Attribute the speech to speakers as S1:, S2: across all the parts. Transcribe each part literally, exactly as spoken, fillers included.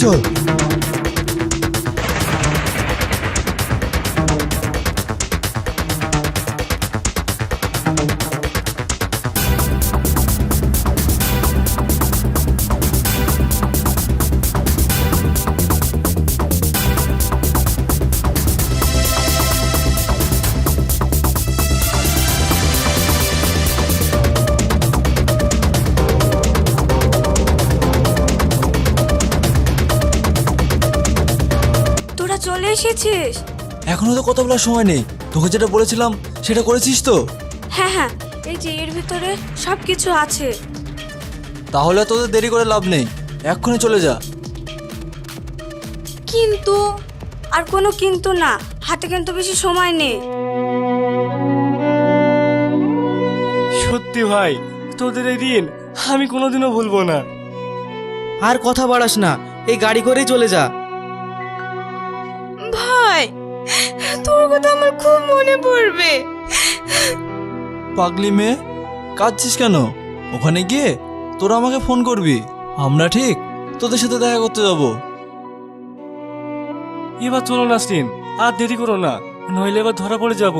S1: চল।
S2: চলে এসেছিস?
S1: এখনো তো কথা বলার সময় নেই। তোকে যেটা বলেছিলাম সেটা করেছিস তো?
S2: হ্যাঁ হ্যাঁ, এই যে এর ভিতরে সব কিছু আছে।
S1: তাহলে তোদের দেরি করে লাভ নেই, এক্ষুনি চলে যা।
S2: কিন্তু আর কোনো কিন্তু না, হাতে কিন্তু বেশি সময় নেই।
S3: সত্যি ভাই, তোদের এই দিন আমি কোনোদিনও ভুলবো না।
S4: আর কথা বাড়াস না, এই গাড়ি করেই চলে যা।
S2: ভাই, তোর কথা আমার খুব মনে পড়বে।
S1: পাগলি মেয়ে, কাঁদছিস কেন? ওখানে গিয়ে তোরা আমাকে ফোন করবি, আমরা ঠিক তোদের সাথে দেখা করতে যাব।
S3: এবার চলো নাসরিন, আর দেরি করো না, নইলে এবার ধরা পড়ে যাবো।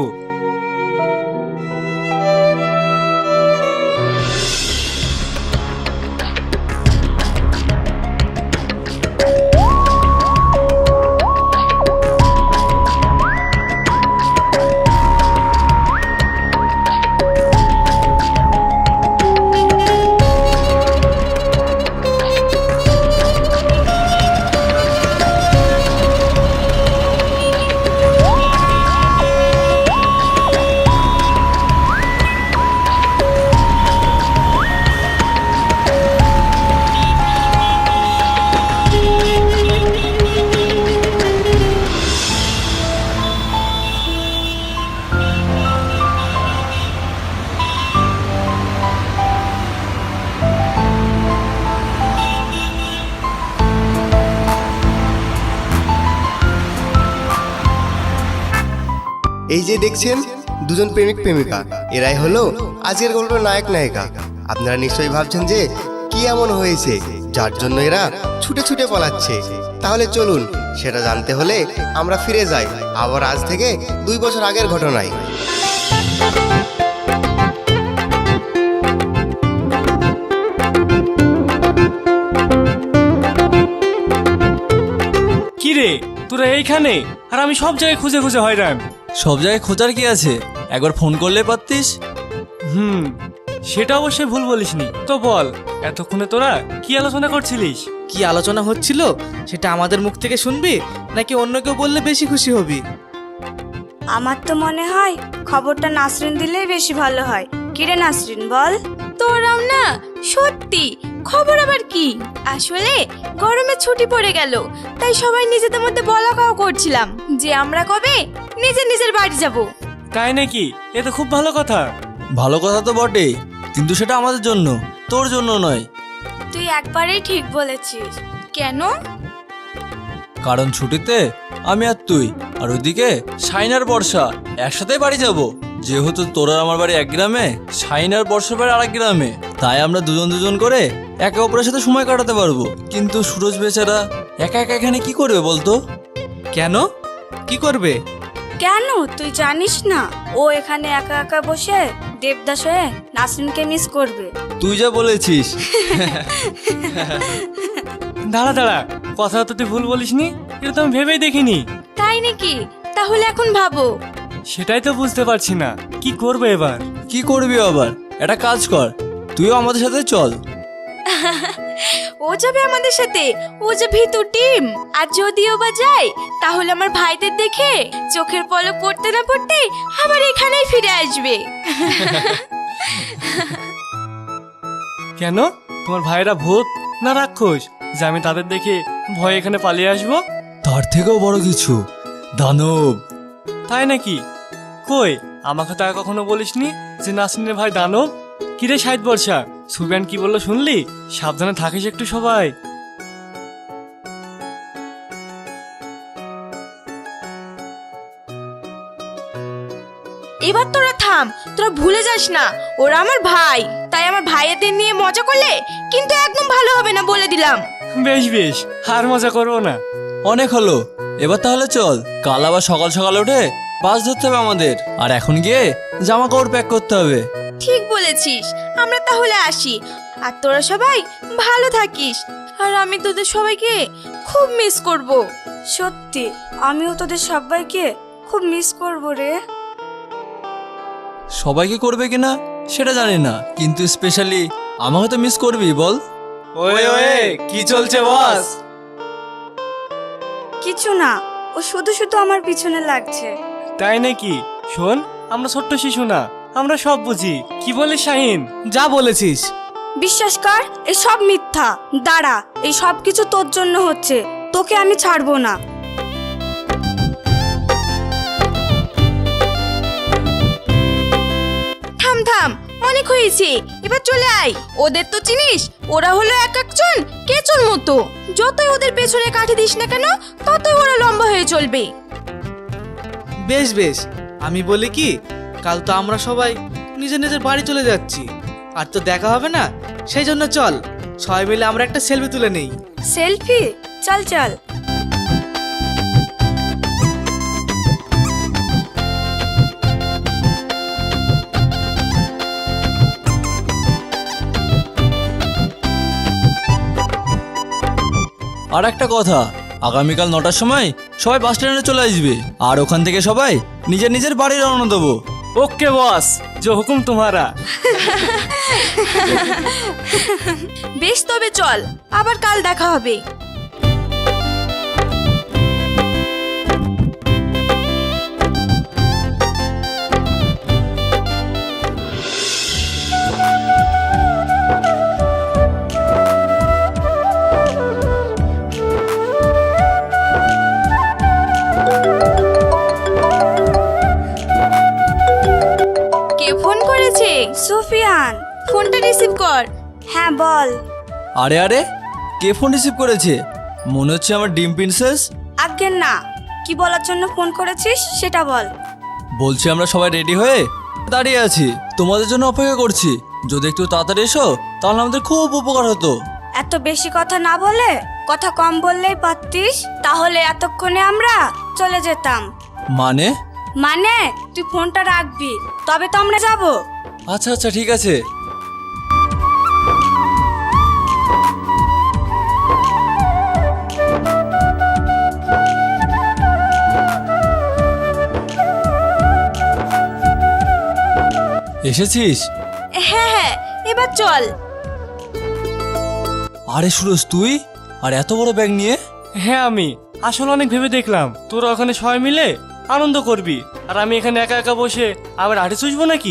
S5: এই যে দেখছেন দুজন প্রেমিক প্রেমিকা, এরাই হলো আজকের গল্পের নায়ক নায়িকা। আপনারা নিশ্চয়ই ভাবছেন যে কি এমন হয়েছে যার জন্য এরা ছুটে ছুটে পালাচ্ছে। তাহলে চলুন সেটা জানতে হলে আমরা ফিরে যাই আবার আজ থেকে দুই বছর আগের ঘটনায়।
S3: কি রে, তোরা এইখানে? আর আমি সব জায়গায় খুঁজে খুঁজে হয়রান।
S1: সব জায়গায় খোঁজার কি আছে, একবার ফোন করলে পারতিস।
S3: হুম, সেটা অবশ্যই ভুল বলিসনি। তো বল, এতক্ষণে তোরা কি আলোচনা করছিলিস?
S4: কি আলোচনা হচ্ছিল সেটা আমাদের মুখ থেকে শুনবি, নাকি অন্য কেউ বললে বেশি খুশি হবি?
S2: আমার তো মনে হয় খবরটা নাসরিন দিলেই বেশি ভালো হয়। কিরে নাসরিন, বল।
S6: তোরাও না সত্যি, খবর আবার কি? আসলে গরমে ছুটি পড়ে গেল, তাই সবাই নিজেদের মধ্যে বলা কওয়া করছিলাম যে আমরা কবে নিজের নিজের বাড়ি যাব।
S3: তাই নাকি? এ তো খুব ভালো কথা।
S1: ভালো কথা তো বটে, কিন্তু সেটা আমাদের জন্য, তোর জন্য নয়।
S2: তুই একবারেই ঠিক বলেছিস।
S6: কেন?
S1: কারণ ছুটিতে আমি আর তুই আর ওইদিকে শাইন আর বর্ষা একসাথেই বাড়ি যাব। যেহেতু তোরা আমার বাড়ি এক গ্রামে, শাইন আর বর্ষার বাড়ি আরেক গ্রামে, তাই আমরা দুজন দুজন করে একে অপরের সাথে সময় কাটাতে পারবো। কিন্তু সুরজ বেচারা একা একা এখানে কি করবে বলতো?
S4: কেন, কি করবে?
S2: কেন তুই জানিস না? ও এখানে একা একা বসে দেবদাস হয়ে নাসরিনকে মিস করবে।
S1: তুই যা বলেছিস।
S3: দাঁড়া দাঁড়া, কথা তো তুই ভুল বলিসনি, এটা তো আমি ভেবেই দেখিনি।
S6: তাই নাকি? তাহলে এখন ভাবো।
S3: সেটাই তো বুঝতে পারছি না, কি করবে এবার?
S1: কি করবি আবার? একটা কাজ কর, তুইও আমাদের সাথে চল।
S6: ও যাবে আমাদের সাথে? ও যে ভিতু টিম। আর যদিও বা যায়, তাহলে আমার ভাইদের দেখে চোখের পলক পড়তে না পড়তে আবার এখানেই ফিরে আসবে।
S3: কেন, তোমার ভাইরা ভূত না রাক্ষস যে আমি তাদের দেখে ভয় এখানে পালিয়ে আসবো?
S1: তার থেকেও বড় কিছু, দানব।
S3: তাই নাকি? কই, আমাকে তো আর কখনো বলিসনি যে নাসরিনের ভাই দানব। কিরে সাইদ বর্ষা, সুবিয়ান কি বললো শুনলি? সাবধানে থাকিস একটু সবাই।
S6: এবার তোরা থাম, তোরা ভুলে যাস না ওরা আমার ভাই, তাই আমার ভাইয়েদের নিয়ে মজা করলে কিন্তু একদম ভালো হবে না, বলে দিলাম।
S3: বেশ বেশ আর মজা করবো না।
S1: অনেক হলো, এবার তাহলে চল। কাল আবার সকাল সকাল উঠে বাস ধরতে হবে আমাদের, আর এখন গিয়ে জামা কাপড় প্যাক করতে হবে।
S6: ঠিক বলেছিস, আমরা তাহলে আসি। আর তোরা সবাই ভালো থাকিস। আর আমি তোদের সবাইকে খুব মিস করব।
S2: সত্যি আমিও তোদের সবাইকে খুব মিস করব রে।
S1: সবাইকে করবে কিনা সেটা জানি না, কিন্তু স্পেশালি আমাকে তো মিস করবি বল।
S3: ওয়ে ওয়ে কি চলছে বস?
S2: কিছু না, ও শুধু শুধু আমার পিছনে লাগছে।
S3: তাই নাকি? শোন, আমরা ছোট্ট শিশু না, আমরা সব বুঝি। কি বলিস শাহিন?
S4: যা বলেছিস।
S2: বিশ্বাস কর, এই সব মিথ্যা। দাঁড়া, এই সব কিছু তোর জন্য হচ্ছে, তোকে আমি ছাড়বো না।
S6: থাম থাম, অনেক হয়েছে, এবার চলে আয়। ওদের তো চিনিস, ওরা হলো এক একজন কেচুর মতো। যতই ওদের পেছনে কাঠি দিস না কেন, ততই ওরা লম্বা হয়ে চলবে।
S4: বেশ বেশ, আমি বলি কি, কাল তো আমরা সবাই নিজের নিজের বাড়ি চলে যাচ্ছি, আর তো দেখা হবে না। সেই জন্য চল সবাই মিলে আমরা একটা সেলফি তুলে নেই।
S2: সেলফি? চল চল।
S1: আর একটা কথা, আগামীকাল নটার সময় সবাই বাস স্ট্যান্ডে চলে আসবে, আর ওখান থেকে সবাই নিজের নিজের বাড়ি রওনা দেবো।
S3: ওকে বস, যে হুকুম তোমারা।
S6: বেশ, তবে চল, আবার কাল দেখা হবে। কে ফোন করেছে?
S2: সুফিয়ান।
S6: ফোনটা রিসিভ কর।
S2: হ্যাঁ বল।
S1: আরে আরে, কে ফোন রিসিভ করেছে? মনে হচ্ছে আমার ডিম প্রিন্সেস।
S2: আজ্ঞে না, কি বলার জন্য ফোন করেছিস সেটা বল।
S1: বলছি আমরা সবাই রেডি হয়ে দাঁড়িয়ে আছি, তোমাদের জন্য অপেক্ষা করছি। যদি একটু তাড়াতাড়ি এসো তাহলে আমাদের খুব উপকার হতো।
S2: এত বেশি কথা না বলে কথা কম বললেই পারতিস, তাহলে এতক্ষণে আমরা চলে যেতাম।
S1: মানে?
S2: মানে তুই ফোনটা রাখবি, তবে তো আমরা যাব।
S1: আচ্ছা আচ্ছা ঠিক আছে। এসেছিস?
S6: হ্যাঁ হ্যাঁ, এবার চল।
S1: আরে সুরজ, তুই আর এত বড় ব্যাগ নিয়ে?
S3: হ্যাঁ আমি আসলে অনেক ভেবে দেখলাম তোরা ওখানে সবাই মিলে আনন্দ করবি, আর আমি এখানে একা একা বসে আবার হাঁটে চুষবো নাকি?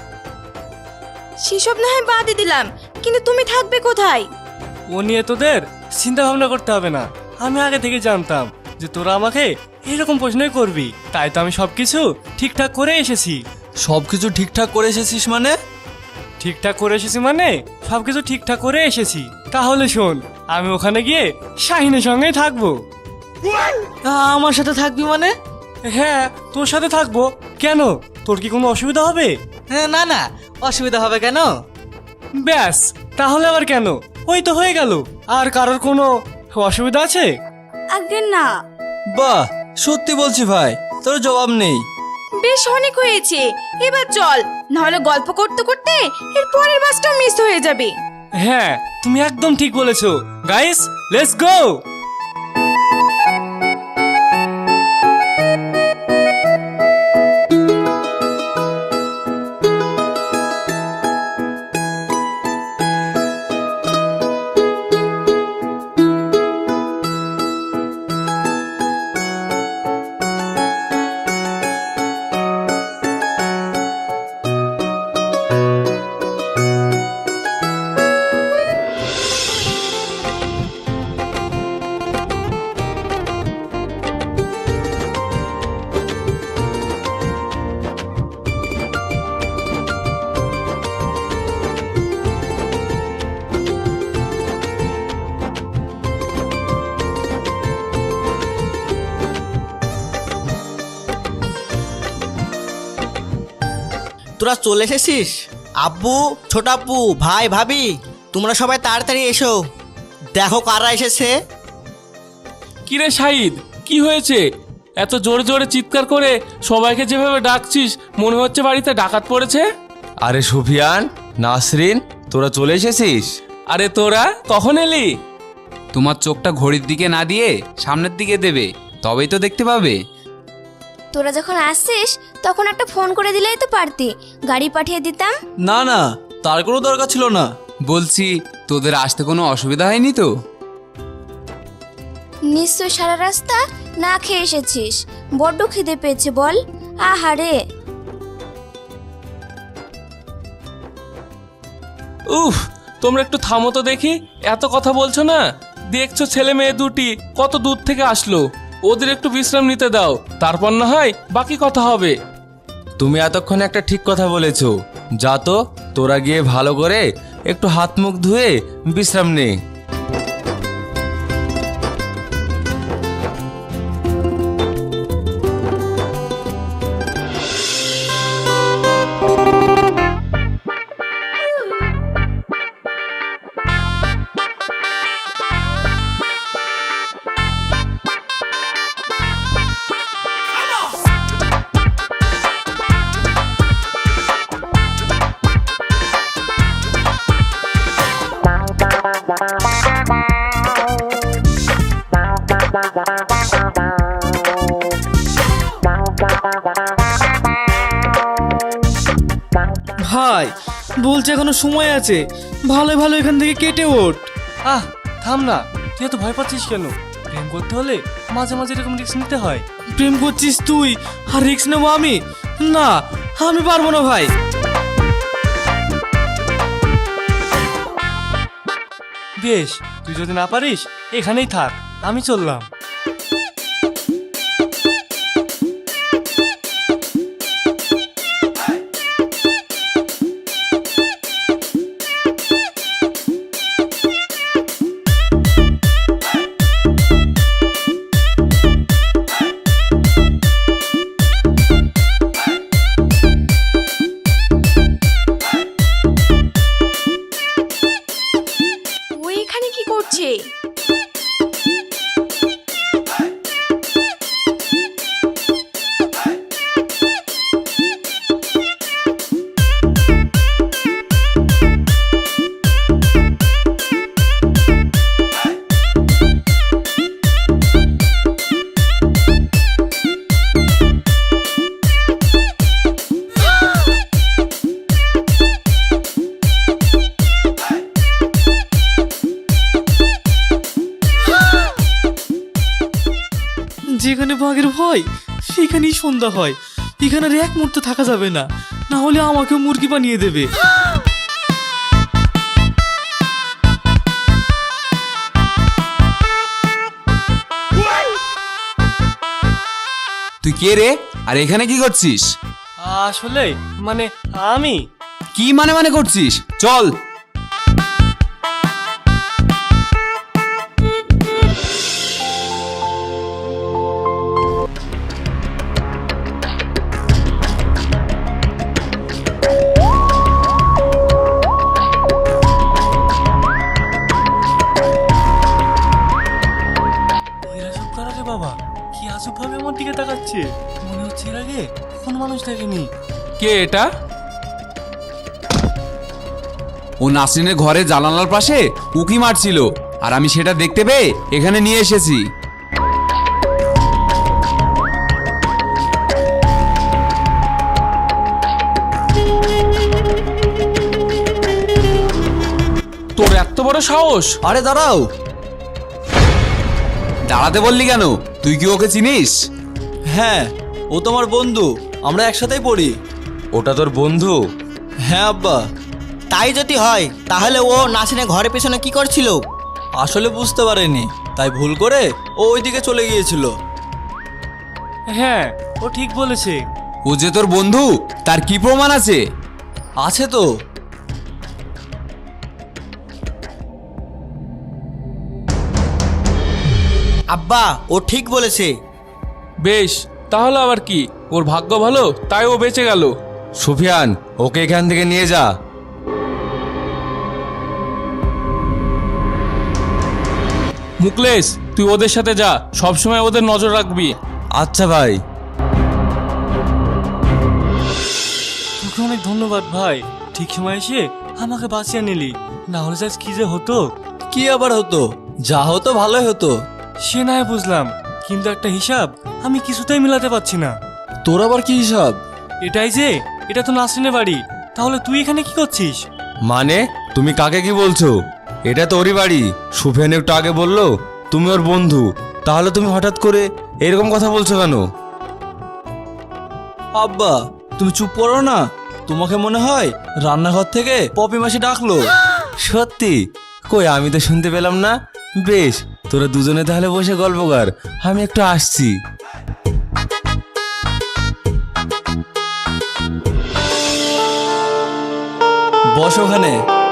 S6: সেসব না হয় বাদই দিলাম, কিন্তু তুমি থাকবে কোথায়?
S3: ও নিয়ে তোদের চিন্তা ভাবনা করতে হবে না। আমি আগে থেকে জানতাম যে তোরা আমাকে এরকম প্রশ্নই করবি, তাই তো আমি সবকিছু ঠিকঠাক করে এসেছি।
S1: সবকিছু ঠিকঠাক করে এসেছিস মানে?
S3: ঠিকঠাক করে এসেছি মানে সবকিছু ঠিকঠাক করে এসেছি। তাহলে শোন, আমি ওখানে গিয়ে শাহিনের সঙ্গেই থাকবো।
S4: আমার সাথে থাকবি মানে?
S3: হ্যাঁ, তোর সাথে থাকবো। কেন, তোর কি কোনো অসুবিধা হবে?
S4: হ্যাঁ, না না, অসুবিধা হবে কেন?
S3: ব্যাস, তাহলে আবার কেন, ওই তো হয়ে গেল। আর কারোর কোনো অসুবিধা আছে?
S2: আজ্ঞে না।
S1: বাহ, সত্যি বলছি ভাই, তোর জবাব নেই।
S6: বেশ, অনেক হয়েছে, এবার চল, নাহলে গল্প করতে করতে এর পরের বাসটাও মিস হয়ে যাবে।
S3: হ্যাঁ, তুমি একদম ঠিক বলেছো। Guys, let's go.
S7: তোরা চলে এসেছিস? আব্বু, ছোট আব্বু, ভাই, ভাবি, তোমরা সবাই তাড়াতাড়ি এসো। দেখো কারা এসেছে।
S8: কিরে শাহিদ, কি হয়েছে? এত জোরে জোরে চিৎকার করে সবাইকে যেভাবে ডাকছিস মনে হচ্ছে বাড়িতে ডাকাত পড়েছে।
S1: আরে সুফিয়ান, নাসরিন, তোরা চলে এসেছিস?
S8: আরে তোরা কখন এলি?
S9: তোমার চোখটা ঘড়ির দিকে না দিয়ে সামনের দিকে দেবে, তবেই তো দেখতে পাবে।
S6: তোরা যখন আসছিস তখন একটা ফোন করে দিলেই তো পারতি, গাড়ি পাঠিয়ে দিতাম।
S1: না না, তার কোনো দরকার ছিল না।
S9: বলছি তোদের আসতে কোনো অসুবিধা হয়নি তো?
S6: নিশ্চয় সারা রাস্তা না খেয়ে এসেছিস, বড্ড খিদে পেয়েছে বল। আহারে,
S8: উফ, তোমরা একটু থামো তো দেখি, এত কথা বলছো না? দেখছো ছেলে মেয়ে দুটি কত দূর থেকে আসলো, ওদের একটু বিশ্রাম নিতে দাও, তারপর না হয় বাকি কথা হবে।
S1: তুমি এতক্ষণে একটা ঠিক কথা বলেছো। যা তো, তোরা গিয়ে ভালো করে একটু হাত মুখ ধুয়ে বিশ্রাম নে।
S4: ভাই বলছে এখনো সময় আছে, ভালো ভালো এখান থেকে কেটে ওঠ।
S3: আহ থাম না, তুই এত ভয় পাচ্ছিস কেন? প্রেম করতে হলে মাঝে মাঝে এরকম রিস্ক নিতে হয়।
S4: প্রেম করছিস তুই আর রিক্স নেবো আমি? না, আমি পারবো না ভাই।
S3: বেশ, তুই যদি না পারিস এখানেই থাক, আমি চললাম।
S6: ওই এখানে কি করছে?
S4: যেখানে বাঘের ভয় সেখানেই সন্ধ্যা হয়। এখানে আর এক মুহূর্ত থাকা যাবে না, না হলে আমাকে মুরগি বানিয়ে দেবে।
S9: তুই কে রে, আর এখানে কি করছিস?
S3: আসলে মানে আমি
S9: কি মানে মানে করছিস? চল।
S3: এরা সব কারা রে বাবা? কি আজব ভাবে আমার দিকে তাকাচ্ছে, মনে হচ্ছে এর আগে কোন মানুষ দেখেনি।
S8: কে এটা?
S9: ও নাসরিনের ঘরে জানালার পাশে উকি মারছিল, আর আমি সেটা দেখতে পেয়ে এখানে নিয়ে এসেছি।
S8: তোর এত বড় সাহস!
S1: আরে দাঁড়াও।
S9: দাঁড়াতে বললি কেন? তুই কি ওকে চিনিস?
S1: হ্যাঁ, ও তোমার বন্ধু, আমরা একসাথেই পড়ি। ওটা তোর বন্ধু? হ্যাঁ আব্বা।
S7: তাই যদি হয় তাহলে ও নাসিনের ঘরের পেছনে কি করছিল?
S1: আসলে বুঝতে পারেনি, তাই ভুল করে ও ওইদিকে চলে গিয়েছিল।
S3: হ্যাঁ, ও ঠিক বলেছে।
S9: ও যে তোর বন্ধু, তার কি প্রমাণ আছে?
S1: আছে তো।
S7: আব্বা, ও ঠিক বলেছে।
S8: বেশ, তাহলে আবার কি, ওর ভাগ্য ভালো তাই ও বেঁচে গেল।
S1: সুফিয়ান, ওকে এখান থেকে নিয়ে যা।
S8: মুকলেশ, তুই ওদের সাথে যা, সবসময় ওদের নজর রাখবি।
S1: আচ্ছা ভাই।
S3: তোকে অনেক ধন্যবাদ ভাই, ঠিক সময় এসে আমাকে বাঁচিয়ে নিলি, না হলে আজ কি যে হতো।
S1: কি আবার হতো? যা হতো ভালোই হতো।
S3: সে নয় বুঝলাম, কিন্তু একটা হিসাব আমি কিছুতেই মিলাতে পারছি না।
S1: তোর আবার কি হিসাব?
S3: এটাই যে, এটা তো নাসরিনের বাড়ি, তাহলে তুই এখানে কি করছিস?
S10: মানে তুমি কাকে কি বলছো? এটা তো ওরই বাড়ি। সুফিয়ান একটু আগে বললো তুমি ওর বন্ধু, তাহলে তুমি হঠাৎ করে এরকম কথা বলছো কেন?
S1: আব্বা তুমি চুপ করো না। তোমাকে মনে হয় রান্নাঘর থেকে পপি মাসি ডাকলো।
S10: সত্যি? কই আমি তো শুনতে পেলাম না। বেশ, তোরা দুজনে তাহলে বসে গল্প কর, আমি একটু আসছি।
S1: বস ওখানে।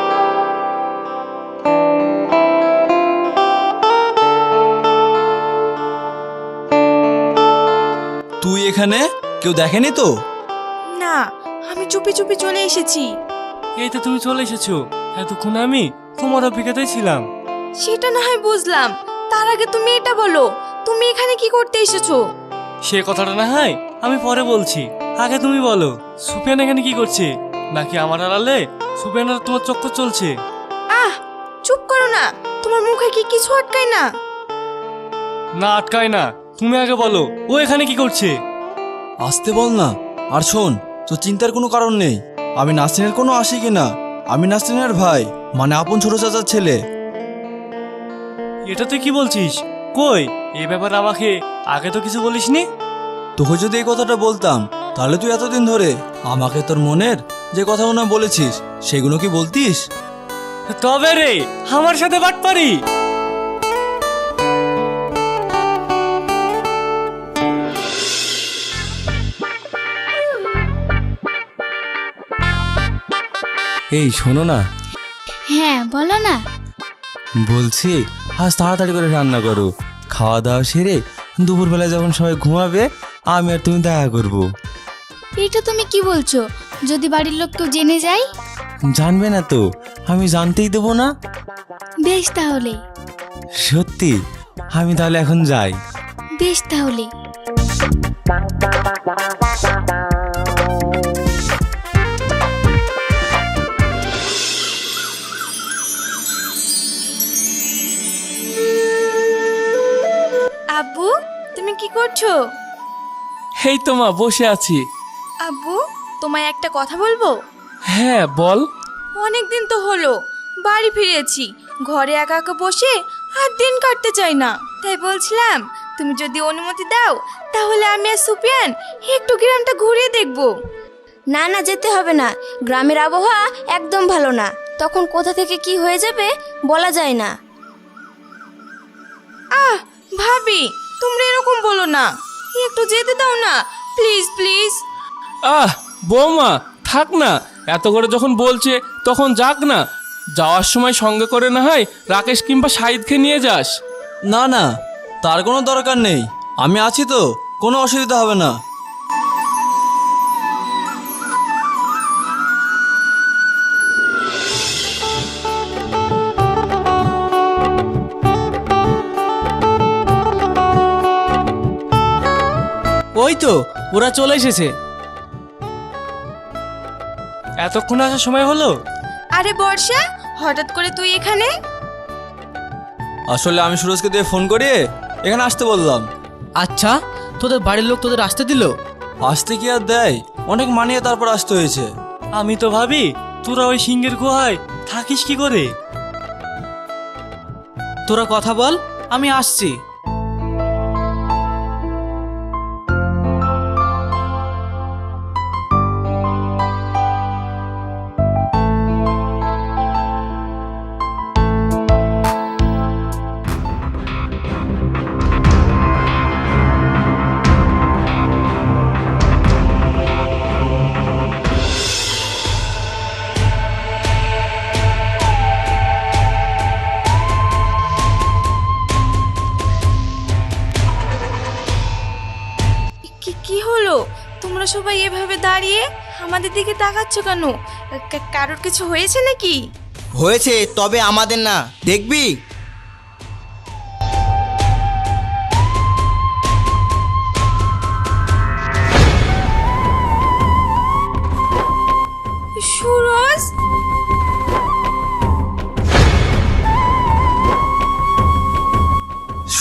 S1: তুই এখানে? কেউ দেখেনি তো?
S6: না, আমি চুপি চুপি চলে এসেছি।
S3: এই তো তুমি চলে এসেছো, এতক্ষণ আমি তোমার অপেক্ষাতেই ছিলাম।
S6: সেটা না হয় বুঝলাম, তার আগে তুমি এটা বলো, তুমি এখানে কি করতে এসেছো?
S3: সে কথাটা না হয় আমি পরে বলছি, আগে তুমি বলো সুফিয়ান এখানে কি করছে? নাকি আমার আড়ালে সুফিয়ানের তোমার চক্কর চলছে?
S6: আহ, চুপ করো না, তোমার মুখে কি কিছু আটকায় না?
S3: না আটকায় না, তুমি আগে বলো ও এখানে কি করছে?
S1: আসতে বল না। আর শোন, তোর চিন্তার কোনো কারণ নেই। আমি নাসরিনের কোনো আশিকি না, আমি নাসরিনের ভাই, মানে আপন ছোট চাচার ছেলে।
S3: এটা তুই কি বলছিস? কই, এই ব্যাপারে আমাকে আগে তো কিছু বলিসনি।
S1: তোকে যদি এই কথাটা বলতাম তাহলে তুই এতদিন ধরে আমাকে তোর মনের যে কথাগুলো বলেছিস সেগুলো কি বলতিস?
S3: তবে রে, আমার সাথে বাটপারি?
S10: এই শোনো না,
S11: হ্যাঁ বলো না।
S10: বলছি আজ তাড়াতাড়ি করে রান্না করো, খাওয়া দাওয়া সেরে দুপুরবেলায় যখন সবাই ঘুমাবে আমি আর তুমি দেখা করবো।
S11: এটা তুমি কি বলছো? যদি বাড়ির লোক কেউ জেনে যায়?
S10: জানবে না তো, আমি জানতেই দেবো না।
S11: বেশ তাহলে।
S10: সত্যি? আমি তাহলে এখন যাই।
S11: বেশ তাহলে।
S6: আব্বু, তুমি কি করছো?
S8: এই তো মা, বসে আছি।
S6: আব্বু, তোমায় একটা কথা বলবো?
S8: হ্যাঁ বল।
S6: অনেক দিন তো হলো বাড়ি ফিরেছি, ঘরে একা একা বসে আর দিন কাটতে চাই না, তাই বলছিলাম তুমি যদি অনুমতি দাও তাহলে আমি আর সুপিয়ান একটু গ্রামটা ঘুরে দেখবো।
S2: না না, যেতে হবে না। গ্রামের আবহাওয়া একদম ভালো না, তখন কোথা থেকে কি হয়ে যাবে বলা যায় না।
S6: আহ ভাবি, তোমরা এরকম বলো না, একটু যেতে দাও না, প্লিজ প্লিজ।
S8: আহ বৌমা, থাক না, এত করে যখন বলছে তখন যাক না। যাওয়ার সময় সঙ্গে করে না হয় রাকেশ কিংবা শাহিদকে নিয়ে যাস।
S1: না না, তার কোনো দরকার নেই, আমি আছি তো, কোনো অসুবিধা হবে না।
S4: ওই তো ওরা চলে এসেছে।
S3: এতক্ষণ আসার সময় হলো?
S6: আরে বর্ষা, হঠাৎ করে তুই এখানে?
S1: আসলে আমি সুরজকে দিয়ে ফোন করিয়ে এখানে আসতে বললাম।
S4: আচ্ছা, তোদের বাড়ির লোক তোদের আসতে দিল?
S1: আসতে কি আর দেয়, অনেক মানিয়ে তারপর আসতে হয়েছে।
S3: আমি তো ভাবি তোরা ওই সিংহের গুহায় থাকিস কি করে।
S4: তোরা কথা বল, আমি আসছি।
S6: কি কি হলো? তোমরা সবাই এভাবে দাঁড়িয়ে আমাদের দিকে তাকাচ্ছ কেন? কা- কারোর কিছু হয়েছে নাকি?
S7: হয়েছে, তবে আমাদের না, দেখবি?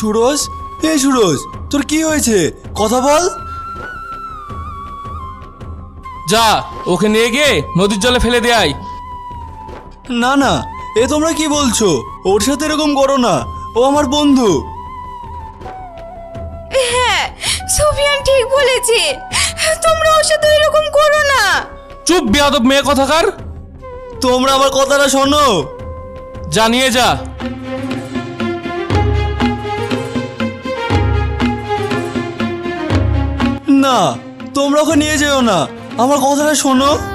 S1: সুরজ, এই সুরজ, তোর কি হয়েছে? কথা বল।
S8: যা ওকে নিয়ে গিয়ে নদীর জলে ফেলে দেয়।
S1: না না, এ তোমরা কি বলছো? ওর সাথে এরকম করো না, ও আমার বন্ধু।
S6: হ্যাঁ, সুফিয়ান ঠিক বলেছে, তোমরা ওর সাথে এরকম করো না।
S8: চুপ বেয়াদব মেয়ে কথাকার।
S1: তোমরা আমার কথাটা শোনো।
S8: যা নিয়ে যা।
S1: না, তোমরা ওকে নিয়ে যেও না, আমার কথাটা শোনো।